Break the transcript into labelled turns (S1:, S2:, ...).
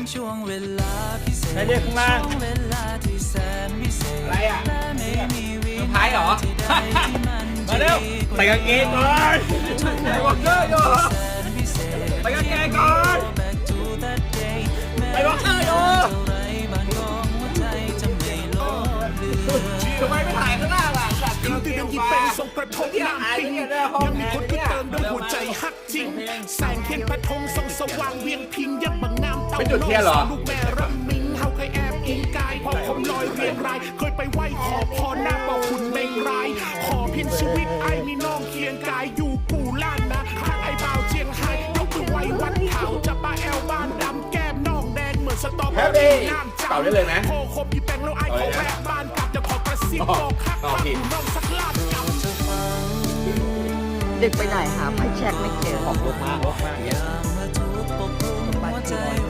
S1: ใครเรียกข้างล่างอะไรอ่ะเซอร์ไพรส์เหรอ มาเร็วใส่กางเกงก่อนใส่วอล์กเกอร์อยู่ใส่กางเกงก่อนใส่วอล์กเกอร์อยู่ทำไมไม่ถ่ายข้างหน้าล่ะสัตว์
S2: คืนที่ดังยิงเป็นทรงกระทบน้ำปิงยังมีคนก็เติมด้วยหัวใจฮักจริงแสงเทียนพระธงส่องสว่างเวียงพิงยังบังน้ำเต่าน้องลูกแม่รำมิงเฮาเคยแอบอิงกายพอคมลอยเรียงรายเคยไปไหว้ขอพรหน้าบอกคุณเมงรายขอพินชีวิตไอ้มีน้องเคียงกายอยู่กูล้านนะข้างไอ้บ่าวเจียงไฮ้ยกมือไหว้วัดเขาจะป้าแอลบ้านดำแก้มน้องแดงเหมือนสตอเบอรี่น้ำจับโคคบพี่แปงแล้วไอ้ขอแวะบ้านกลับจะขอกระซิบบอกคักน้องสักลาดกำ
S3: ดึกไปหน่อยหาไฟแช็กไม่เจอ
S1: ออกรถมาอย่างเงี้ย